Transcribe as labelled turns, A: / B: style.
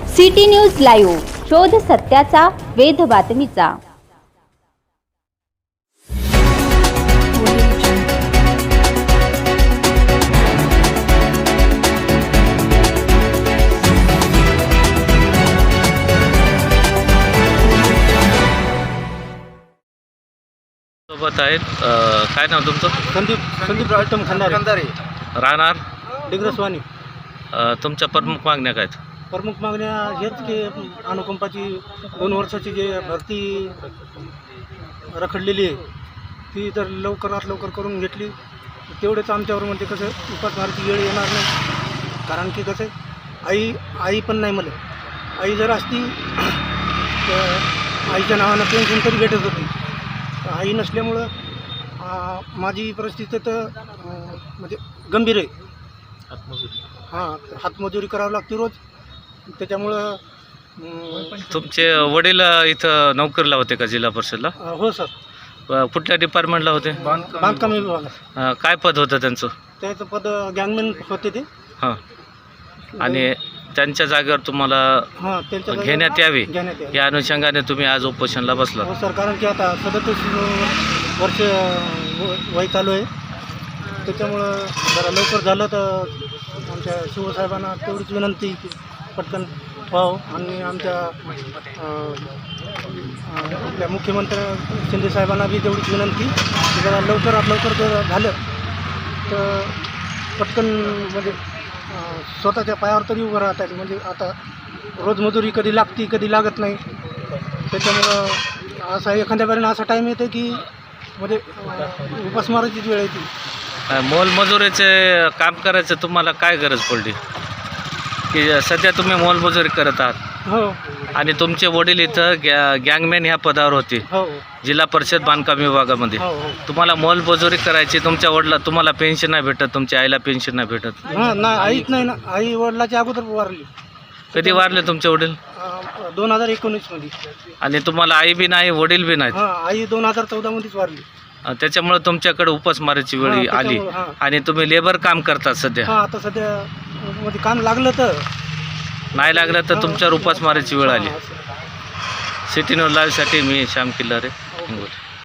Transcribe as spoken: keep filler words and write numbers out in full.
A: City news live, शोध सत्याचा, वेध बातमीचा।
B: सोबत आहेत अ, काय नाव तुमचं?
C: संदीप संदीप आयटम खंडारे
B: राहणार
C: डिग्रसवानी।
B: अ, तुमच्या प्रमुख मागण्या काय आहेत?
C: प्रमुख मागण्या हेच की अनुकंपाची दोन वर्षाची जे भरती रखडलेली आहे ती तर लवकरात लवकर करून घेतली तेवढेच आमच्यावर म्हणजे कसं उपासमाराची वेळ येणार नाही। कारण की कसं आई आई पण नाही मला, आई जर असती तर आईच्या नावानं पेन्शन तरी भेटत होती। आई नसल्यामुळं आ, माझी परिस्थिती तर अ, म्हणजे गंभीर आहे। हां, हातमजुरी करावी लागते रोज, त्याच्यामुळं अं,
B: तुमचे वडील अ, इथं नोकरीला होते का जिल्हा परिषदला?
C: अ, हो सर,
B: अ, कुठल्या डिपार्टमेंटला होते?
C: बांधकाम विभागात
B: अ, काय पद होतं त्यांचं?
C: त्याचं पद गँगमॅन होते ते।
B: हां, आणि त्यांच्या जागेवर तुम्हाला
C: हां, त्यांच्या जागी
B: घेण्यात यावी
C: घेण्यात यावी।
B: या अनुषंगाने तुम्ही आज उपोषणला बसला.
C: हो सर, कारण की आता सदतीस वर्ष व- वय चालू आहे, त्याच्यामुळं जरा लवकर झालं तर आमच्या शिवसाहेबांना तेवढीच विनंती की पटकन व्हावं। आणि आमच्या अं, अं, आपल्या मुख्यमंत्री शिंदे साहेबांना बी तेवढीच विनंती की जरा लवकरात लवकर जर झालं तर पटकन म्हणजे अं, स्वतःच्या पायावर तरी उभं राहता येईल। म्हणजे आता रोजमजुरी कधी लागती कधी लागत नाही, त्याच्यामुळं असा एखाद्या वेळेला असा टाईम येतो की म्हणजे अं, उपासमाराचीच वेळ येते।
B: अ, मोलमजुरीचे काम करायचं तुम्हाला काय गरज पडली की सध्या तुम्ही मोलमजुरी करत आहात
C: हो
B: आणि तुमचे वडील इथं गॅ गँगमॅन ह्या पदावर होते
C: हो
B: जिल्हा परिषद बांधकाम विभागामध्ये?
C: हो हो
B: तुम्हाला मोलमजुरी करायची, तुमच्या वडिला तुम्हाला पेन्शन नाही भेटत, तुमच्या आईला पेन्शन नाही भेटत.
C: हां, नाही आईच नाही ना, आई वडिलाच्या अगोदर वारली
B: कधी वारले तुमचे वडील?
C: दोन हजार एकोणीसमध्ये।
B: आणि तुम्हाला आई बी नाही वडील बी नाहीत.
C: हां, आई दोन हजार चौदामध्येच वारली।
B: अ, त्याच्यामुळे तुमच्याकडे उपासमारीची वेळ
C: हां,
B: आली
C: त्याच्यामुळं, हां.
B: आणि तुम्ही लेबर काम करतात सध्या.
C: हां, आता सध्या म्हणजे काम लागलं तर
B: नाही लागलं तर तुमच्यावर उपासमारीची वेळ आली.
C: हां, असं.
B: सिटी न्यूज लाईव्हसाठी मी श्याम किल्लारे, हिंगोली.